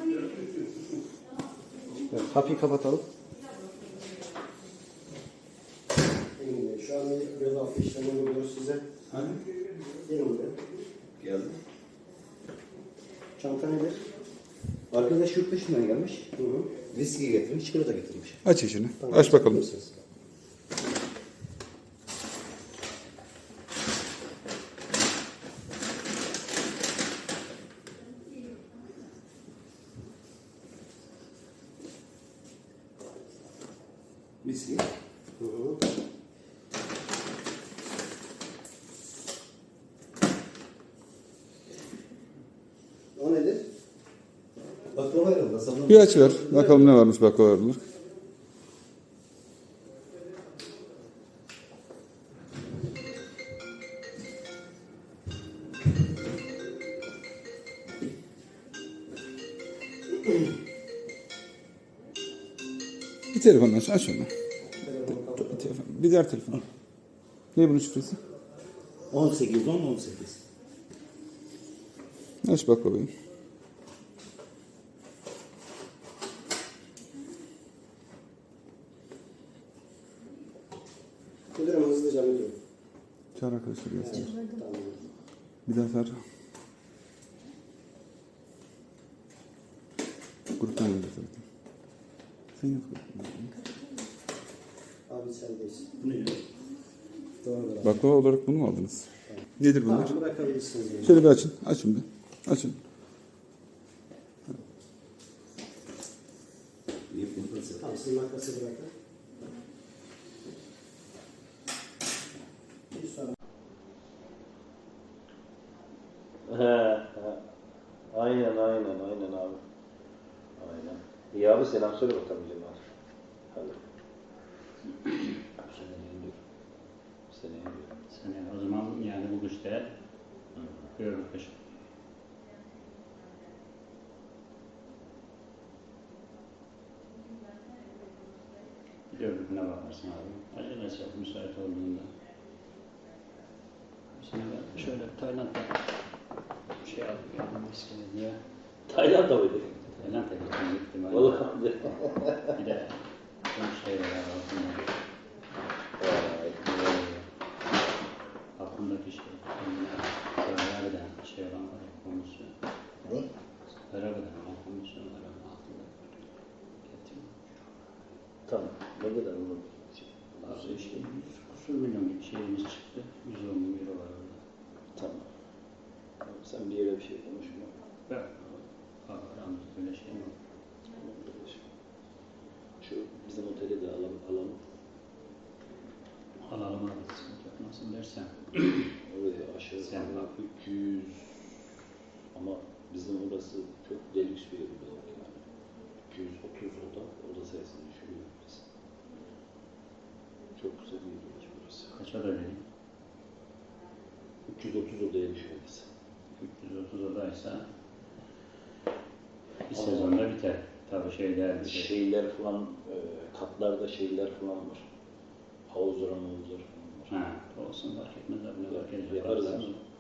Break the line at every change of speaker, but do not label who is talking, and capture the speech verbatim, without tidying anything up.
Evet, kapıyı kapatalım.
Şu an bir göz altı işlemi uyguluyoruz size.
Hani?
Gelin buraya.
Geldim.
Çanta nedir?
Arkadaş yurt dışından gelmiş.
Hı hı.
Viski getirmiş, çikolata getirmiş.
Aç içini.
Tamam,
Aç bakalım.
mısınız?
Viski.
Hı hı. O nedir?
Baklava herhalde. Sanırım.
Bir aç ver. Bakalım ne varmış baklavalarında. Bir telefon aç. Aç onu. Bir telefon. Bir diğer telefon. Ne bunun şifresi?
on sekiz on on sekiz.
Aç baklavayı.
Müdürüm hızlıca müdürüm.
Çağır arkadaşlar gelsin.
Tamam.
Bir daha çağır. Gruptan geldi zaten. Sen yap gruptan.
Abi sendeyiz.
Bu ne ya?
Doğrudur.
Baklava olarak bunu mu aldınız? Nedir bunlar?
Tamam, bırakabilirsiniz. beni.
Şöyle bir açın. Açın bir. Açın.
Niye bunu nasıl?
Tamam, sizin makası bırakın. Bir sonra.
He, he. Aynen, aynen, aynen abi. Aynen. İyi abi selam söyle bakalım Cemal. Hadi. Seneye indiyor. Seneye indiyor.
Sene o zaman yani bu güçte gördük kışın. Bir dördüküne bakarsın abi. Acelesi yok müsait olduğunda. Şimdi ben şöyle Tayland'da şey aldım yani miskine diye.
Tayland'a mıydı?
Tayland'a gittim gittim. Hani.
Vallahi.
Bir de çok şey var altında.
Vay, güzel.
Aklımdaki şey. Zararlı'dan şey olan var ya komisyon.
Ne?
Zararlı'dan olan komisyon var ama aklımda. Getirdim.
Tamam. Ne kadar olur?
Bazı işte yüz kusur milyon gibi şeyimiz çıktı. yüz on bin euro var orada.
Tamam. Tamam, sen bir yere bir şey konuşma.
Ben aramızda öyle şey mi var?
Şu bizim oteli de alalım. alalım.
Alalım abi sıkıntı yok. Nasıl dersen.
Oraya aşağı
Sen
yukarı
bak.
üç yüz ama bizim orası çok delüks bir yer olarak yani. iki yüz otuz oda, oda sayısını düşürüyor biz. Çok güzel bir yer burası.
Kaç oda dedim?
üç yüz otuz odaya düşüyor biz.
üç yüz otuz odaysa bir
Ama-
sezonda biter. Tabii şeyler bir şey.
Şeyler falan, e, katlarda şeyler falan var. Havuzlar, havuzlar falan var.
Ha, olsun fark etmez abi ne fark edecek.
Yaparız
Bakarız.
ama